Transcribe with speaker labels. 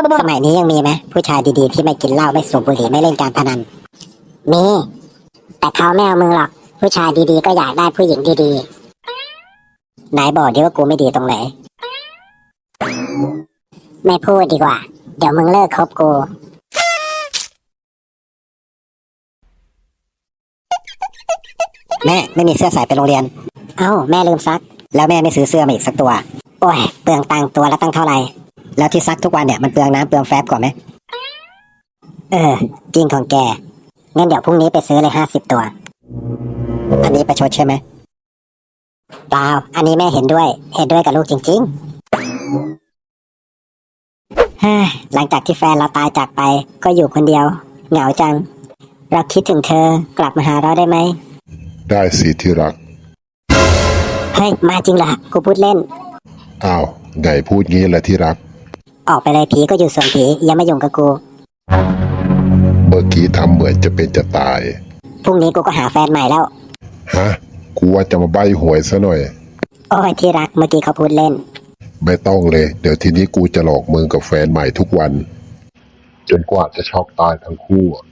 Speaker 1: สมัยนี้ยังมีไหมผู้ชายดีๆที่ไม่กินเหล้าไม่สูบบุหรี่ไม่เล่นการพนันมีแต่เขาไม่เอามึงหรอกผู้ชายดีๆก็อยากได้ผู้หญิงดีๆไหนบอกดิว่ากูไม่ดีตรงไหนไม่พูดดีกว่าเดี๋ยวมึงเลิกคบกูแม่ไม่มีเสื้อใส่ไปโรงเรียนเอ้าแม่ลืมซักแล้วแม่ไม่ซื้อเสื้อมาอีกสักตัวโอ้ยเปลืองตังค์ตัวละตั้งเท่าไหร่แล้วที่ซักทุกวันเนี่ยมันเปลืองน้ำเปลืองแฟบกว่าไหมจริงของแกงั้นเดี๋ยวพรุ่งนี้ไปซื้อเลย50 ตัวอันนี้ประชดใช่ไหมเปล่าอันนี้แม่เห็นด้วยกับลูกจริงๆหลังจากที่แฟนเราตายจากไปก็อยู่คนเดียวเหงาจังเราคิดถึงเธอกลับมาหาเราได้ไหม
Speaker 2: ได้สิที่รัก
Speaker 1: เฮ้ยมาจริงเหรอกูพูดเล่น
Speaker 2: อ้าวไงพูดงี้แหละที่รัก
Speaker 1: ออกไปเลยผีก็อยู่ส่วนผีอย่ามายุ่งกับกู
Speaker 2: เมื่อกี้ทำเหมือนจะเป็นจะตาย
Speaker 1: พรุ่งนี้กูก็หาแฟนใหม่แล้ว
Speaker 2: ฮะกูว่าจะมาใบ้หวยซะหน่อย
Speaker 1: โอ้ยที่รักเมื่อกี้เขาพูดเล่น
Speaker 2: ไม่ต้องเลยเดี๋ยวทีนี้กูจะหลอกมึงกับแฟนใหม่ทุกวันจนกว่าจะช็อกตายทั้งคู่